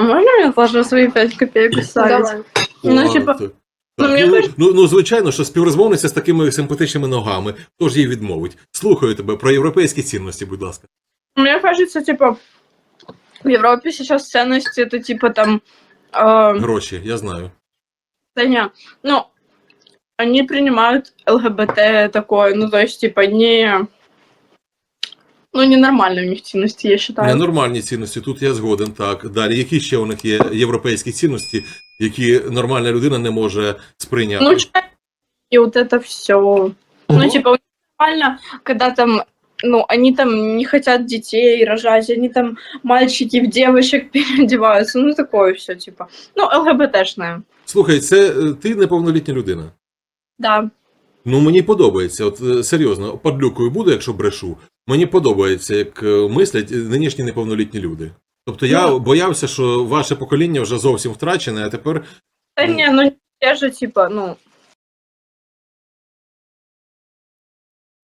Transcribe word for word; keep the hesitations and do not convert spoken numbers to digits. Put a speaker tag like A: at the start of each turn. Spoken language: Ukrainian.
A: А можно мне тоже свои пять копеек вставить?
B: Давай.
A: Ну,
C: О,
A: типа,
C: так.
A: ну,
C: Так,
A: мені
C: ну,
A: кажуть-
C: ну, ну, звичайно, що співрозмовниця з такими симпатичними ногами, хто ж їй відмовить? Слухаю тебе про європейські цінності, будь ласка.
A: мне кажется, типа, в Европе сейчас ценности это типа там... э,
C: Гроші, я знаю.
A: да не, ну, они принимают ЛГБТ такое, ну, то есть, типа, не... Ну, ненормальные у них ценности, я считаю.
C: Ненормальні цінності, тут я згоден, так. Далі, які ще у них є європейські цінності, які нормальна людина не може сприйняти?
A: Ну, чай и вот это все. Ну, типа, у них нормально, когда там, ну, они там не хотят детей рожать, они там мальчики в девочек переодеваются, ну, такое все, типа. Ну, ЛГБТшное.
C: Слухай, це е, ти неповнолітня людина.
A: Да.
C: Ну, мені подобається, от е, серйозно, падлюкою буду, якщо брешу. Мені подобається, як е, мислять нинішні неповнолітні люди. Тобто я
A: Ну.
C: боявся, що ваше покоління вже зовсім втрачене, а тепер
A: Да
C: Ну.
A: не, ну, те же, типа, ну,